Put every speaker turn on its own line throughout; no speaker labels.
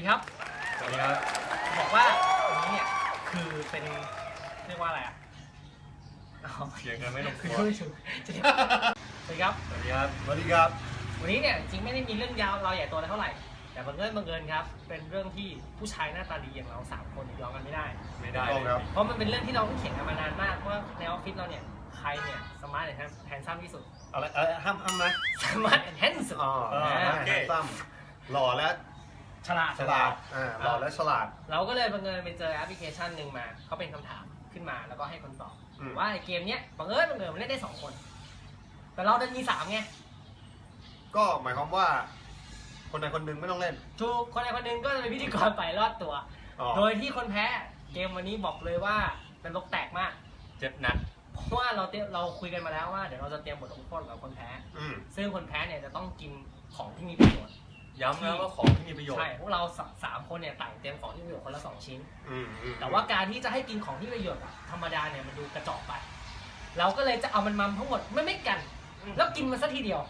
ดีครับ
สวัสดีครับ
บอกว่าวันนี้เนี่ยคือเป็นเรียกว่าอะไรอ่ะ
เสียงกันไม่ลงตัว
สวัสดีครับ
สวัสดีครับ
สวัสดีครับ
วันนี้เนี่ยจริงไม่ได้มีเรื่องยาวเราใหญ่โตอะไรเท่าไหร่แต่บังเอิญครับเป็นเรื่องที่ผู้ชายหน้าตาดีอย่างเรา3 คนยอมกันไม่ได้
ครับ
เพราะมันเป็นเรื่องที่เราต้องเถียงกันมานานมากว่าในออฟฟิศเราเนี่ยใครเนี่ยสมาร์ทแฮนซัมที่สุด
อะไรห้ามไหม
สมาร์ทแฮนซัม
โอเคซ้ำหล่อและ
ฉลาด
หล่อและฉลาด
เราก็เลยบังเอิญไปเจอแอปพลิเคชันหนึ่งมาเขาเป็นคำถามขึ้นมาแล้วก็ให้คนตอบว่าเกมเนี้ยบังเอิญมันเล่นได้2 คนแต่เราดันมี3ไง
ก็หมายความว่าคนใดคนหนึ่งไม่ต้องเล่น
ถูกคนใดคนหนึ่งก็จะเป็นพิธีกรไปรอดตัวโดยที่คนแพ้เกมวันนี้บอกเลยว่าเป็นลกแตกมาก
เจ็บหนัก
เพราะว่าเราคุยกันมาแล้วว่าเดี๋ยวเราจะเตรียมบทลงโทษกับคนแพ้ซึ่งคนแพ้เนี่ยจะต้องกินของที่มีประโยชน์
ย้ำแล้วว่าของที่มีประโยชน์
ใช่พวกเรา3 คนเนี่ยต่างเตรียมของที่มีประโยชน์คนละ2 ชิ้นแต่ว่าการที่จะให้กินของที่มีประโยชน์ธรรมดาเนี่ยมันดูกระจอกไปเราก็เลยจะเอามันทั้งหมดไม่กันแล้วกินมันซะทีเดียว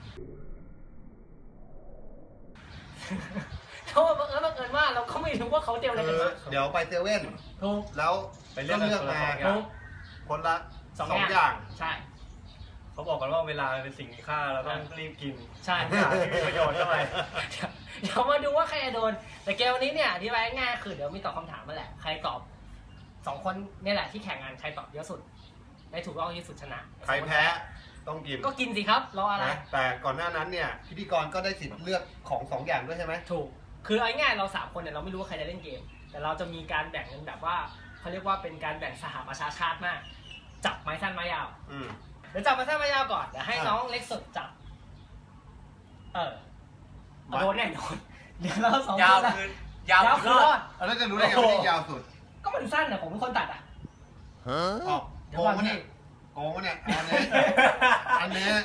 เพราะว่าบังเอิญว่าเราก็ไม่รู้ว่าเขาเตรียมอะไรกันมา
เดี๋ยวไปเซเว่น
ถูก
แล้วไปเลือกมาคนละ2 อย่าง
ใช่
เขาบอกกันว่าเวลาเป็นสิ่งมีค่าเราต้องรีบกิน
ใช่
ที่มีประโยชน์เท่าไหร่
เดี๋ยวมาดูว่าใครจะโดนแต่เกมวันนี้เนี่ยอธิบายง่ายคือเดี๋ยวมีตอบคำถามมาแหละใครตอบ2 คนนี่แหละที่แข่งงานใครตอบเยอะสุดได้ถูกต้องที่สุดชนะ
ใครแพ้ต้องกิน
ก็กินสิครับรออะไร
แต่ก่อนหน้านั้นเนี่ยพิธีกรก็ได้สิทธิ์เลือกของ2 อย่างด้วยใช่ไหม
ถูกคือเอาง่ายเรา3 คนเนี่ยเราไม่รู้ว่าใครจะเล่นเกมแต่เราจะมีการแบ่งกันแบบว่าเขาเรียกว่าเป็นการแบ่งสหประชาชาติมากจับไม้สั้นไม้ยาวเดี๋ยวจับไม้สั้นไม้ยาวก่อนเดี๋ยวให้น้องเล็กสุดจับโดนแน่นอนเดี๋ยวเรา2 คน
ยาว
คือรอด
แล้วจะรู้ได้ไงว่าที่ยาวสุด
ก็มันสั้นอะผมเป็นคนตัดอะ
โกงวะเนี่ยโกงวะเนี่ยอันนี้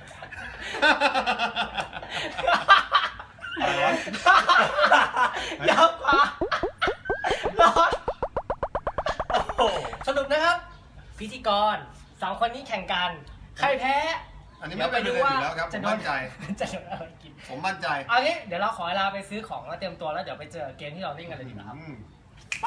ยาวกว่ารอดสรุปนะครับพิธีกร2 คนนี้แข่งกันใครแพ้
อันนี้ไม่เป็นประเด็นอยู่แล้วครับผมมั่นใจ
จะโดนอะไรกิน
ผมมั่นใจ
เอางี้เดี๋ยวเราขอเวลาไปซื้อของแล้วเตรียมตัวแล้วเดี๋ยวไปเจอเกมที่เราเล่นกันเลยดีกว่าครับไป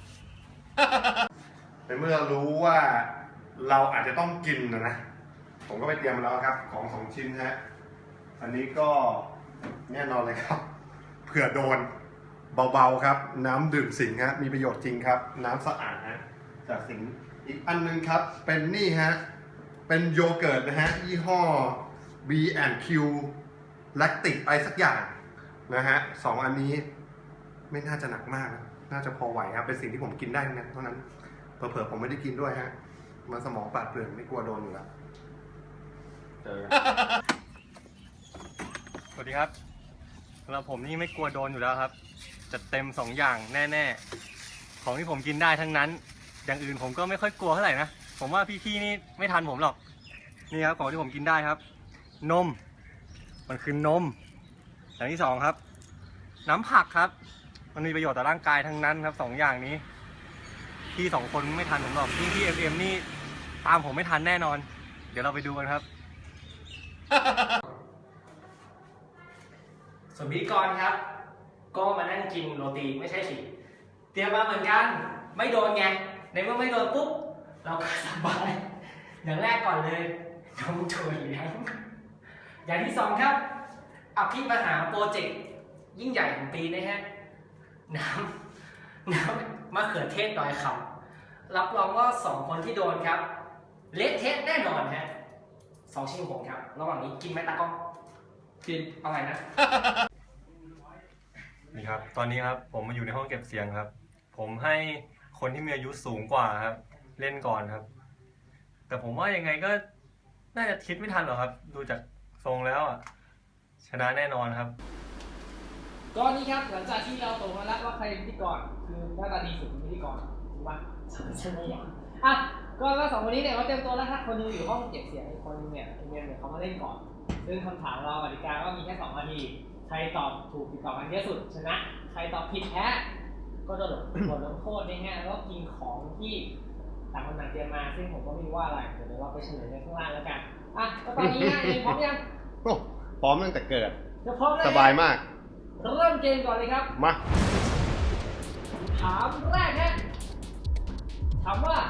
ในเมื่อรู้ว่าเราอาจจะต้องกินนะผมก็ไปเตรียมแล้วครับของ2 ชิ้นฮะอันนี้ก็แน่นอนเลยครับเผื่อโดนเบาๆครับน้ำดื่มสิงห์ฮะมีประโยชน์จริงครับน้ำสะอาดฮะจากสิงห์อีกอันนึงครับเป็นนี่ฮะเป็นโยเกิร์ตนะฮะยี่ห้อ B&Q แลคติกอะไรสักอย่างนะฮะ2 อันนี้ไม่น่าจะหนักมากน่าจะพอไหวครับเป็นสิ่งที่ผมกินได้เท่านั้นเผลอๆผมไม่ได้กินด้วยฮะมันสมองปราดเปรื่องไม่กลัวโดนอยู่แล้วเจอ
สวัสดีครับสำหรับผมนี่ไม่กลัวโดนอยู่แล้วครับจัดเต็ม2 อย่างแน่ๆของที่ผมกินได้ทั้งนั้นอย่างอื่นผมก็ไม่ค่อยกลัวเท่าไหร่นะผมว่าพี่ๆนี่ไม่ทันผมหรอกนี่ครับของที่ผมกินได้ครับนมมันคือนมอย่างที่ 2ครับน้ำผักครับมันมีประโยชน์ต่อร่างกายทั้งนั้นครับ2 อย่างนี้พี่2 คนไม่ทันผมหรอกพี่FMนี่ตามผมไม่ทันแน่นอนเดี๋ยวเราไปดูกันครับ
ส่วนพิธีกรครับก็มานั่งกินโรตีไม่ใช่สิเตรียมมาเหมือนกันไม่โดนไงในเมื่อไม่โดนปุ๊บเราก็สบายอย่างแรกก่อนเลยน้องถั่วเหลืองอย่างที่ 2ครับอภิมหาโปรเจกต์ยิ่งใหญ่ของปีนะฮะน้ำมะเขือเทศดอยคำรับรองว่า2 คนที่โดนครับเละเทะแน่นอนฮะ2 ชิ้นผมครับระหว่างนี้กินไหมตากล้องกินอะไรนะ
นี่ครับตอนนี้ครับผมมาอยู่ในห้องเก็บเสียงครับผมให้คนที่มีอายุสูงกว่าครับเล่นก่อนครับแต่ผมว่ายังไงก็น่าจะคิดไม่ทันหรอกครับดูจากทรงแล้วอ่ะชนะแน่นอนครับ
ก็นี่ครับหลังจากที่เราตกมาแล้วว่าใครเป็นพิธีกรคือหน้าตาดีสุดเป็นพิธีกรถูกป่ะใช่ไหมอ่ะก็2 คนนี้เนี่ยเขาเตรียมตัวแล้วถ้าคนนึงอยู่ห้องเก็บเสียงอีกคนนึงเนี่ยเขามาเล่นก่อนซึ่งคำถามเรากติกาก็มีแค่2 นาทีใครตอบถูกติดต่อกันเยอะสุดชนะใครตอบผิดแพ้ก็จะบทลงโทษนะฮะแล้วก็กินของที่ต่างคนต่างเตรียมมาซึ่งผมก็ไม่รู้ว่าอะไรเดี๋ยวเราไปเฉลยในข้างล่างแล้วกันอ่ะก็ตอนนี้นะพร้อมยัง
พร้อมตั้งแต่เกิด
จะพร้อมแล้ว
สบายมาก
เริ่มเกมก่อนเลยครับ
มา
ถามแรกฮะถามว่า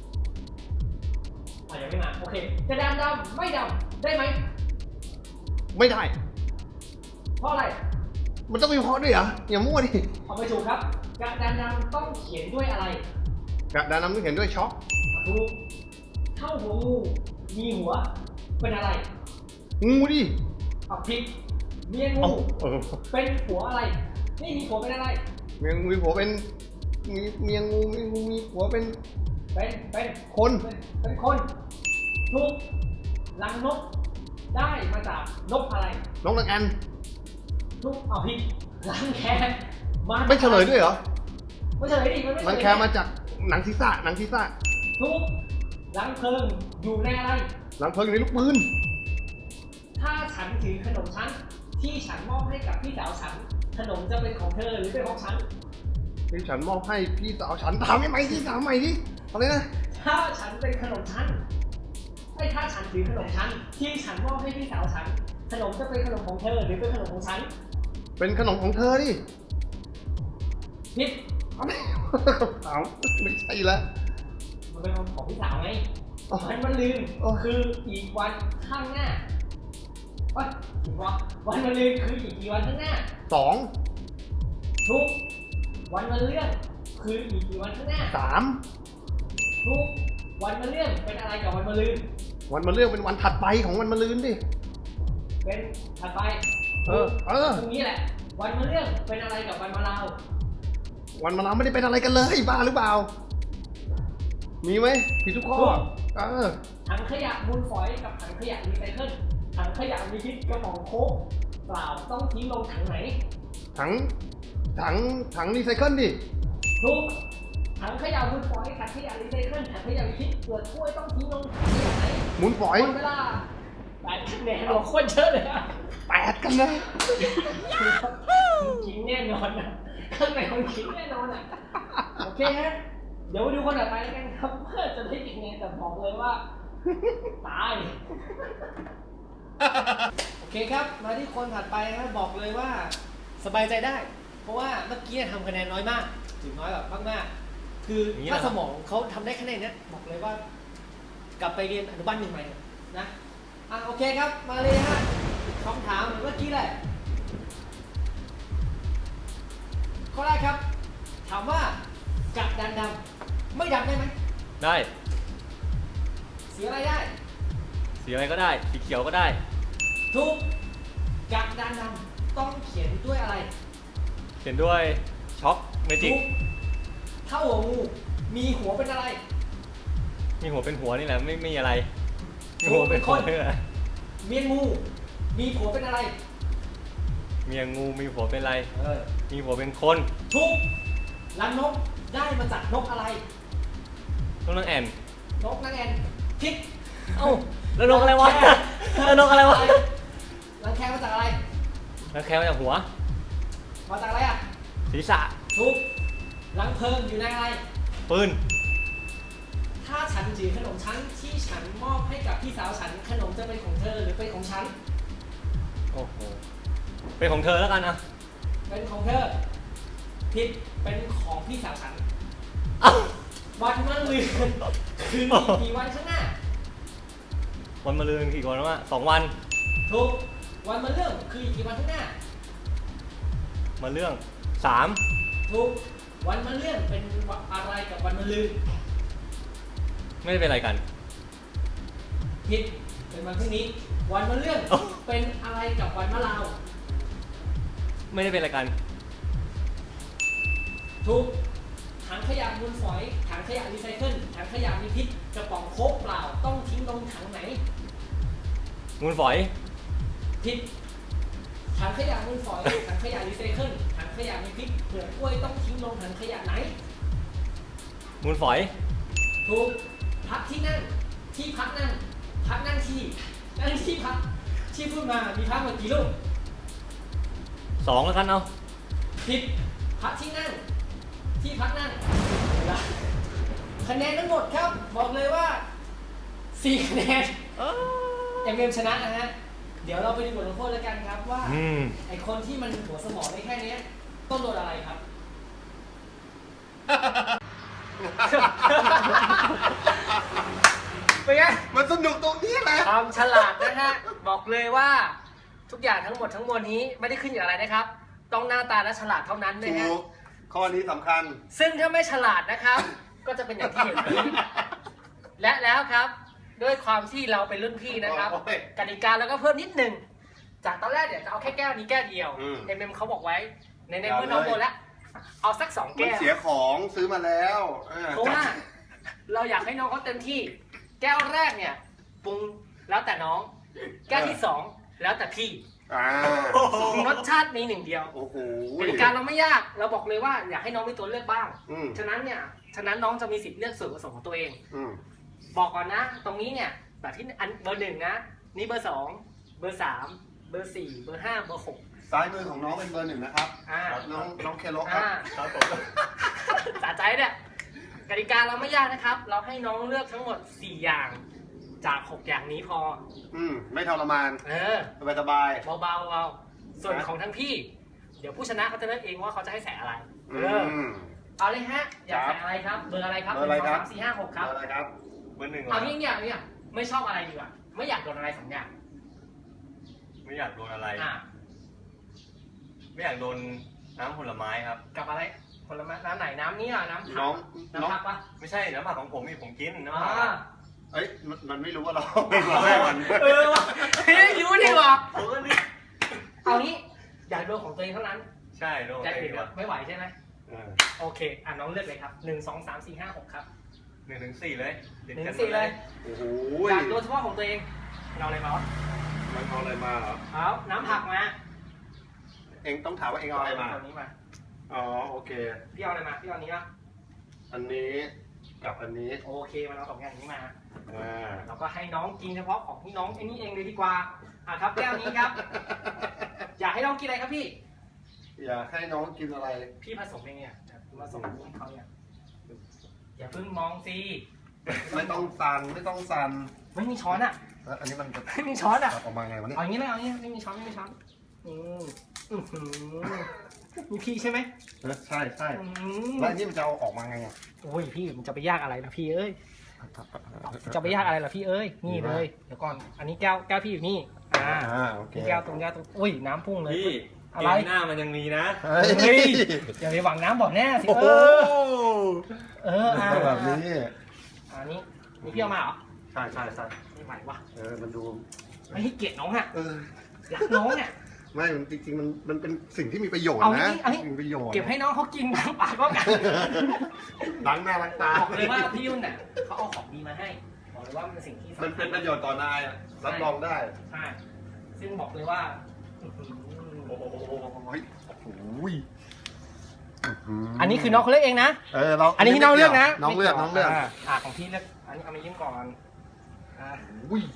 ยังไม่มาโอเคกระดานดำไม่ดำได้ไหม
ไม่ได้
เพราะอะไร
มันต้องมีเพราะด้วยเหรออย่ามั่วดิ
เอาไปถูกครับกระดานดำต้องเขียนด้วยอะไร
กระดานน้ำต้องเห็นด้วยช็อก
ถูกเท่าหัวงูมีหัวเป็นอะไร
งูดิ
เอาผิดเมียงู
เอ้า
เป็นหัวอะไรนี่มีหัวเป็นอะไร
เมียงูมีผัวเป็นเมียงูมีผัวเป็น
เป็น
คน
เป็นคนถูกรังนกได้มาจากนกอะไร
น้องนางแอน
ถูกเอาผิดรังแคมา
ไม่เฉลยด้วยเหรอ
ไม่เฉลยดิมันไม่เฉลย
รังแคมาจากหนังศีรษะหนังศีรษะ
ถูกรังเพลิงอยู่ในอะไร
หลังเพลิงอยู่ในลูกปืน
ถ้าฉันถือขนมฉันที่ฉันมอบให้กับพี่สาวฉันขนมจะเป็นของเธอหรือเป็นของฉัน
ที่ฉันมอบให้พี่สาวฉันถามไม่ไหมที่ถามใหม่ดิอะไรนะ
ถ้าฉันเป็นขนมฉันถ้าฉันถือขนมฉันที่ฉันมอบให้พี่สาวฉันขนมจะเป็นขนมของเธอหรือเป็นขนมของฉัน
เป็นขนมของเธอดิ
ผิด
เอาไม่เอาไม่ใช่ละ
มันเป็นของพี่สาวไง
อ๋อ
มันลืม
อ๋อ
คืออีกวันข้างหน้าอีกวันมันลืมคืออีกกี่วันข้างหน้า
สอง
ทุกวันมันเลื่อนคืออีกกี่วันข้างหน้า
สาม
ทุกวันมันเลื่อนเป็นอะไรกับวันมันลืม
วันมาเรื่องเป็นวันถัดไปของวันมาลืนดิ
เป็นถัดไป
เออ
ตรงนี้แหละ วันมันเลื่อนเป็นอะไรกับวันมาลาว
วันมาเราไม่ได้เป็นอะไรกันเลยบ้าหรือเปล่า มีไหมผิดทุกข้อ
ถังขยะมูลฝอยกับถังขยะรีไซเคิลถังขยะมีพิษกระป๋องโค้กเปล่าต้องทิ้งลงถังไหน
ถังรีไซเคิลดิ
ทุกถังขยะมูลฝอยถังขยะรีไซเคิลถังขยะมีพิษเปลือกกล้วยต้องทิ้งลงถังขยะไหน
หมุนฝอย
หมดเวลา8 คะแนนโอ้โคตรเยอะเลยอะ
8กันเลย
ขิงแน่นอนนะข้างในมันขิงแน่นอนอ่ะโอเคฮะเดี๋ยวมาดูคนต่อไปแล้วกันครับเพื่อจะได้กี่คะแนนแต่บอกเลยว่าตายโอเคครับมาที่คนถัดไปครับบอกเลยว่าสบายใจได้ เพราะว่าเมื่อกี้ทำคะแนนน้อยมากถึงน้อยแบบมากๆคือถ้าสมองเขาทำได้คะแนนเนี้ยบอกเลยว่ากลับไปเรียนอนุบาล 1ใหม่นะโอเคครับมาเลยฮะคำถามเหมือนเมื่อกี้แหละข้อแรกครับถามว่ากระดานดำไม่ดำได้ไหม
ได้
สีอะไรได้
สีอะไรก็ได้ สีเขียวก็ได้
ทุกกระดานดำต้องเขียนด้วยอะไร
เขียนด้วยช็อกเมจิก
ทุกเท่าหัวงูมีหัวเป็นอะไร
มีหัวเป็นหัวนี่แหละไม่มีอะไรมีหัวเป็นคน
เมียงูมีหัวเป็นอะไร
เมียงูมีหัวเป็นอะไร มีหัวเป็นคน
ทุกรังนกได้มาจากนกอะไร
ต้องนั่งแอน
นกนั่นเองผิด
เอ้าแล้วนกอะไรวะแล้วนกอะไรวะ
รังแคมาจากอะไร
แล้วแค่มาจากหัว
มาจากอะไรอ่ะ
ศีรษะ
ทุกรังเพลิงอยู่ในอะไร
ปืน
ถ้าฉันถือขนมฉันที่ฉันมอบให้กับพี่สาวฉันขนมจะเป็นของเธอหรือเป็นของฉัน
โอ้โหเป็นของเธอแล้วกันนะ
เป็นของเธอผิดเป็นของพี่สาวฉัน
เอ้า
วันมะรืนคือกี่วันข้างหน้า
วันมะรืนกี่วันวะ2 วัน
ถูกวันมะเรื่องคือกี่วันข้างหน้า
มาเรื่อง
ถูกวันมะเรื่องเป็นอะไรกับวันมะรืน
3ไม่ได้เป็นอะไรกัน
ผิดเป็นวันพรุ่งนี้ วันมะเรื่อง
เอ้า
เป็นอะไรกับวันมะลาว
ไม่ได้เป็นอะไรกัน
ถูกถังขยะมูลฝอยถังขยะรีไซเคิลถังขยะมีพิษกระป๋องโค้กเปล่าต้องทิ้งลงถังไหน
งูฝอย
ผิดถังขยะมูลฝอย ถังขยะรีไซเคิลถังขยะมีพิษเปลือกกล้วยต้องทิ้งลงถังขยะไหน
งูฝอย
ถูกพักที่นั่งที่พักนั่งพักนั่งที่นั่งที่พักที่พูดมามีพักมากี่ลูก
2แล้วกันเอา
ผิดพักที่นั่งที่พักนั่งคะแนนทั้งหมดครับบอกเลยว่า4 คะแนนยังเกมชนะนะฮะเดี๋ยวเราไปดูบทลงโทษแล้วกันครับว่า
อืม
ไอคนที่มันหัวสมองได้แค่เนี้ยต้องโดนอะไรครับ เป็นไง
มันสนุกตรงนี้แหละ
ความฉลาดนะฮะ บอกเลยว่าทุกอย่างทั้งหมดทั้งมวลนี้ไม่ได้ขึ้นอยู่อะไรนะครับ ต้องหน้าตาและฉลาดเท่านั้นนะ
ถู
ฮะ
กข้อนี้สำคัญ
ซึ่งถ้าไม่ฉลาดนะครับ ก็จะเป็นอย่างที่เห็นนี้และแล้วครับ ด้วยความที่เราเป็นรุ่นพี่นะครับ
โอ้ย
กติกาเราก็เพิ่มนิดนึงจากตอนแรกเนี่ยจะเอาแค่แก้วนี้แก้วเดียว
อืม
เอ็มเขาบอกไว้ในเมื่อน้องโดนแล้วเอาสัก2
มัน
แก้ว
เสียของซื้อมาแล้วออ
เพราะว่าเราอยากให้น้องเขาเต็มที่ แก้วแรกเนี่ยปรุงแล้วแต่น้อง แก้วที่2แล้วแต่พี่
อ่าร
สชาติมีหนึ่งเดียว
โอ้โห
กติกาเราไม่ยาก เราบอกเลยว่าอยากให้น้องมีตัวเลือกบ้าง
อืม
ฉะนั้นน้องจะมีสิทธิ์เลือกส่วนผสมของตัวเอง
อืม
บอกก่อนนะ ตรงนี้เนี่ยแบบที่อันเบอร์ 1นะนี่เบอร์ 2เบอร์ 3เบอร์ 4เบอร์ 5เบอร์ 6
ซ้ายมือของน้องเป็นเบอร์ 1นะครับ
อ่า
น้องเคโลครับ
ครับผม
สะใจเนี่ยกติกาเราไม่ยากนะครับ เราให้น้องเลือกทั้งหมด4อย่างจาก6อย่างนี้พอ
ไม่ทรมาน สบายสบาย
เบาๆส่วนของทั้งพี่ เดี๋ยวผู้ชนะเขาจะเลือกเองว่าเขาจะให้ใส่อะไร เอาเลยฮะ อยากใส่อะไรครับ เบอร์อะไรครับ
เบอร์อะไรครับ
1 2 3 4 5 6 ครับ
อะไรครับ
เบอร์ 1
เอาเนี่ยไม่ชอบอะไรดีกว่า ไม่อยากโดนอะไร2อย่าง
ไม่อยากโดนอะไร
อ่ะ
ไม่อยากโดนน้ำผลไม้ครับ
กับอะไรผลไม้น้ำไหนน้ำนี้อ่ะน้ำผั
น้
ก
อง
น้ำผักปะ
ไม่ใช่น้ำผักของผมนี่ผมกินน้ำ
อ่า
ผัก
เอ้ยมันไม่รู้ว่าเราเป็นแม่มัน
เออว่ะเฮ้ยรู้ดีกว่า
ผมก็นี่
เอางี้อยากโดนของตัวเองเท่านั้น
ใช่โดน
จะ
ไป
อื่น
ดีกว่า
ไม่ไหวใช่ไหม
เออ
โอเคอ่ะน้องเลือกเลยครับ1 2 3 4 5 6ครับ
1 ถึง 4เลยติด
1
กัน
4เลย
โอ้โห
อยากโดนเฉพาะของตัวเองเราอะไรมา
มันเอาอะไรมาเหรอ
เอาน้ำผักมา
เองต้องถามว่าเองเอาอะไรมา
ตัวนี้มา
อ๋อโอเค
พี่เอาอะไรมาพี่เอาอันนี้ปะ
อันนี้กับอันนี้
โอเคมันเอา2อย่างนี้มา
อ่า
เราก็ให้น้องกินเฉพาะของที่น้องไอ้นี่เองเลยดีกว่าอ่ะครับแก้วนี้ครับ อยากให้น้องกินอะไรครับพี่
อยากให้น้องกินอะไร
พี่ผสมเองเนี่ยเดี๋ยวผสมให้เขาเนี่ยอย่าเพิ่งมองสิ
ไม่ต้องสั่นไม่ต้องสั่น
ไม่มีช้อนอ่ะ
แล้วอันนี้มันจะ
ไม่มีช้อนอ่ะ
ออกมาไงวะเนี่ย
เอาอย่างนี้เลยเอาอย่างนี้ไม่มีช้อนไม่มีช้อนอืมอื้อหือมีพี่ใช่ไหม
ใช่ใช่
อืม
แล้วอันนี้มันจะเอาออกมาไงอ่ะ
โอ้ยพี่มันจะไปยากอะไรล่ะพี่เอ้ยจะไปยากอะไรล่ะพี่เอ้ยนี่เลยเดี๋ยวก่อนอันนี้แก้วพี่อยู่นี่
โอเค
นี่แก้วตรงอุ้ยน้ำพุ่งเลย
พี่
อะไร
เกมหน้ามันยังมีนะ
เฮ้
เฮ้
ย
ยอย่าไปหวังน้ำบ่อแน่สิ
โอ้โห
อ่า
แบบนี้
อันนี้นี่พี่เอามาเหรอ
ใช่ใช่ใช่
ไม่ไหววะ
มันดู
ไม่ให้เกียรติน้องอ่ะ
เออ
รักน้องอ่ะ
ไม่มันจริงๆมันเป็นสิ่งที่มีประโยชน์
เอา
นะ
งี้เอางี้
มีประโยชน์
เก็บให้น้องเขากินล้างปากก็กัน
ล้างหน้าล้างตา
บอกเลยว่าพี่ยุ่นเนี่ยเขาเอาของดีมาให้บอกเลยว่ามันเป็นสิ่งที่สำคัญ
มันเป็นประโยชน์ต่อนายอะรับรองได้
ใช่ซึ่งบอกเลยว่าอื้อหือ
โอ้โหโอ้โห
อันนี้คือน้องเขาเลือกเองนะ
เรา
อันนี้ที่น้องเลือกนะ
น้องเลือกน้องเลือก
ของพี่เลือกอันนี้เอามายิ้มก่อนอ่า
อุ้ย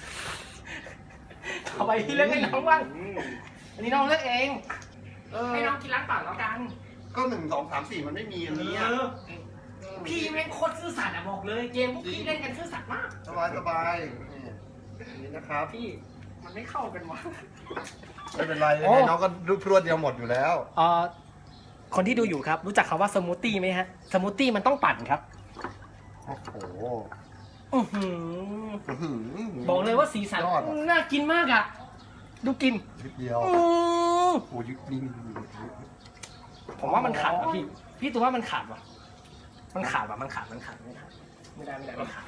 เอาไปพี่เลือกให้น้องบ้าง
อืม
อันนี้น้องเลือกเอง
เออ
ให้น้องกินล้างปากแล้วกัน
ก็1 2 3 4มันไม่มีอันนี้อะ
พี่แม่งโคตรซื่อสัตย์อะบอกเลย เกมพวกพี่เล่นกันซื่อสัตย์มาก
สบายสบายนี่นะครับ
พี่มันไม่เข้ากันวะ
ไม่เป็นไร
โอ้
ยังไงน้องก็รูปรวดเดียวหมดอยู่แล้ว
คนที่ดูอยู่ครับ รู้จักคำว่าสมูทตี้ไหมฮะ สมูทตี้มันต้องปั่นครับ
โอ้โห
อื้อหือ
อื้อหื
บอกเลยว่าสีสัน
ยอดอะ
น่ากินมากอะดูกิน
นิดเดียว
อื้อ
โอ้ยนี่
ผมว่ามันขาดว่ะพี่ พี่ตัวว่ามันขาดว่ะ มันขาดว่ะ มันขาดไม่ได้มันขาด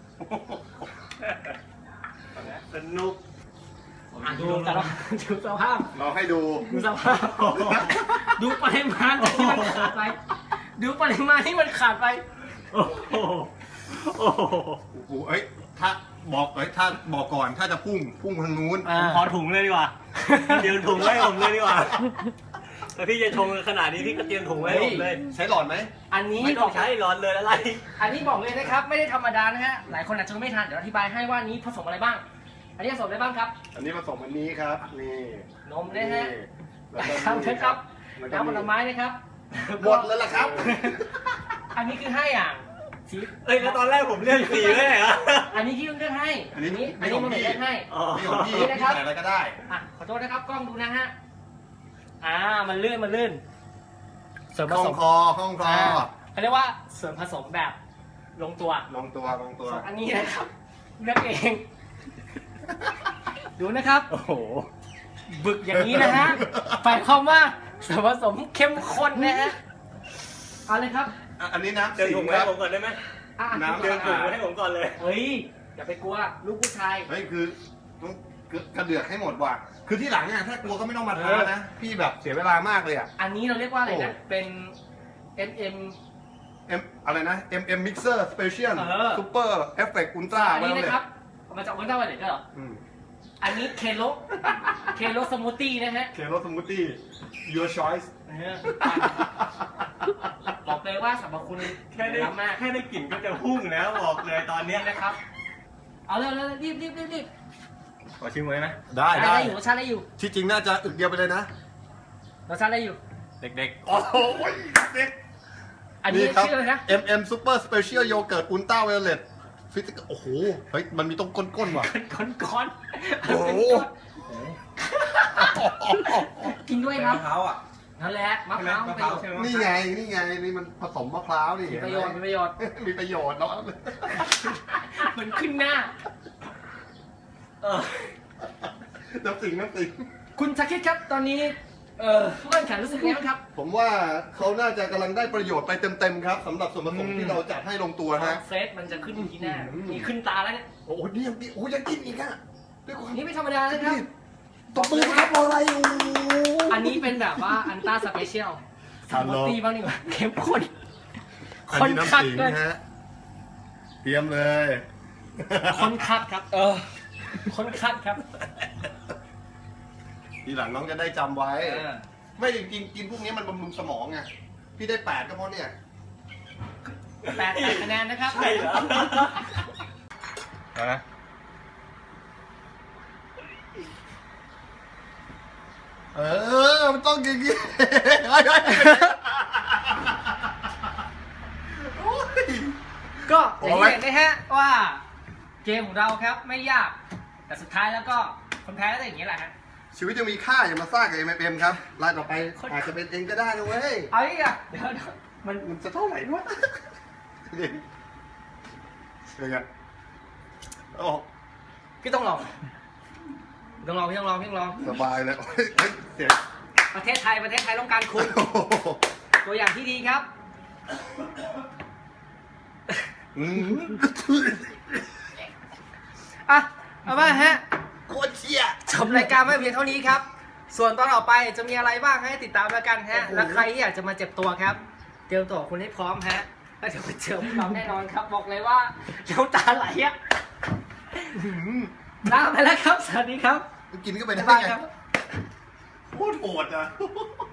สนุก
ดูแต่ละดูสภาพ
เราให้ดู
ดูสภาพ ดูปริมาณที่มันขาดไป ดูปริมาณที่มันขาดไป
โอ้โหโอ้โห
โอ้โหเอ้ยถ้าบอกก่อนถ้าจะพุ่งทางนู้น
ผมขอถุงเลยดีกว่า เตรียมถุงไว้ให้ผมเลยดีกว่าถ้าพี่จะชงขนาดนี้พี่ก็เตรียมถุงไว้ให้ผมเลย
ใช้หลอดไหม
อันนี้
ไม่ต้องใช้ร้อนเลยอะไร
อันนี้บอกเลยนะครับ ไม่ได้ธรรมดานะฮะ หลายคนอาจจะไม่ทัน เดี๋ยวอธิบายให้ว่านี้ผสมอะไรบ้าง อันนี้ผสมอะไรบ้างครับ
อันนี้ผสมอันนี้ครับนี่
นมนะฮะ
แล้วก็
ครับนะครับ
แล้วก็
น้ำผลไม้นะครับ
หมดแล้วล่ะครับ
อันนี้คือ5อย่างสี
เอ้ยแล้วตอนแรกผมเลือกสีไม่ใช่เหรอ
อันนี้ที่เลือกให้
อันนี้
อันนี้มันเลือกให้
อ๋อ
นี่ของพี่
นี่
พี่
นะครับ
ใส่อะไรก็ได้
อ่ะขอโทษนะครับกล้องดูนะฮะมันลื่นเสริมผ
ห้อ
ส
ง
ม
คอห้องคอ
เขาเรียกว่าเสริมผสมแบบลงตัว
ลงตัวลงตัว
ส่วนอันนี้นะครับเลือกเองดูนะครับ
โอ้โห
บึกอย่างนี้นะฮะหมายความว่าส่วนผสมเข้มข้นนะฮะเอาเลยครับ
อันนี้น้ำ
เดิน
สิ
ถุ
ง
ง
ค
ให้
รับ
ผมก่อนได้ไหม
น้ำ
เดินถุงให้ผมก่อนเลย
เฮ้ยอย่าไปกลัวลูกผู้ชาย
เฮ้ยคือต้องกระเดือกให้หมดว่ะคือที่หลังเนี่ยถ้ากลัวก็ไม่ต้องมาท้านะพี่แบบเสียเวลามากเลยอ่ะ
อันนี้เราเรียกว่าอะไรนะ
โอ้
เป็น MM
อะไรนะ MM Mixer Special
เออ
Super Effect Ultra
อันนี้
ว่าเลย
นะครับมาจากวันเจ้าวันเด็กก็เหรอ
อืม
อันนี้เคโลสมูทตี้นะฮะ
เคโรสมูทตี้ Your Choice
บอกเลยว่าสรรพคุณ
แค่ได้
ล้ำมาก
แค่ได้กลิ่นก็จะพุ่งแล้วบอกเลยตอนเนี้ย
นี่นะครับ เอาเร็วรีบ
ขอชิมเลยนะ
ได้ได้
อยู่รสชาติได้อยู่
ที่จริงน่าจะอึกเดียวไปเลยนะ
รสชาติได้อยู่
เด็ก
โอ้โหเด็ก
อันนี้
ครับ
ชื่ออะไรนะ
MM Super Special Yogurt Ultra Violet ฟิสิกโอ้โห เฮ้ย มันมีตรงก้นๆว่ะ
ก้อน
โอ้โห
กินด้วย
ๆ
ครับ
มะพร้าวอ่ะ
นั่นแหละมะพร้าว
มะพร้าวใช่ไหม
นี่ไง นี่มันผสมมะพร้าวนี่
มีประโยชน์
มีประโยชน์แล้ว
มันขึ้นหน้า
น้ำสิง
คุณชาคิดครับ ตอนนี้ผู้แข่งขันรู้สึกไงบ้างครับ
ผมว่าเขาน่าจะกำลังได้ประโยชน์ไปเต็มๆครับสำหรับส่วนผสมที่เราจัดให้ลงตัวฮะ
เฟสมันจะขึ้นที่หน้ามีขึ้นตาแล้วเนี่ย
โอ้โหนี่ยังกินอีกอ่ะด้วยความ
นี่ไม่ธรรมดานะครับ
ตบมือครับรออะไรอยู่
อันนี้เป็นแบบว่าอันต้าสเปเชียลสามตีบ้างดีกว่าเข้มข้น
อัน
คน
นี้น้ำ
คัด
สิง
เลย
ฮะเตรียมเลย
คนคัดครับ คนคัดครับ
ทีหลังน้องจะได้จำไว้ ไม่จริงๆกินพวกนี้มันบำรุงสมองไง พี่ได้8ก็เพราะเนี่ย
8 คะแนนนะครับ
ใช่เหรอเอานะ
มันต้องอย่างนี้
ก็อย่างที่เห็นนะฮะว่าเกมของเราครับไม่ยาก แต่สุดท้ายแล้วก็คนแพ้ก็จะอย่างนี้แหละฮะ
ชีวิตยังมีค่าอย่ามาซ่ากับ MMM ครับรายต่อไปอาจจะเป็นเองก็ได้นะเว้ย
เอาอีกอ่ะเดี๋ยวมัน
มันจะเท่าไหร่วะเป็นไงโอ้
พี่ต้องลองพี่ต้องลอง
สบายเลยเฮ้ยเสียง
ประเทศไทยต้องการคุณ
โอ้โห
ตัวอย่างที่ดีครับ
อืม
อ่ะเอามาฮะ
โคตรเชี่ย
จบรายการไม่เพียงเท่านี้ครับ ส่วนตอนต่อไปจะมีอะไรบ้างให้ติดตามแล้วกันฮะ
โอ้โห
และใครที่อยากจะมาเจ็บตัวครับ เตรียมตัวคุณให้พร้อมฮะ แล้วเดี๋ยวไปเจอพวกเราแน่นอนครับ บอกเลยว่าน้ำตาไหลอ่ะลาไปแล้วครับ สวัสดีครับ
กินก็ไปได้
บ๊ายบาย
ไง
ครับ
โคตรโหดอ่ะ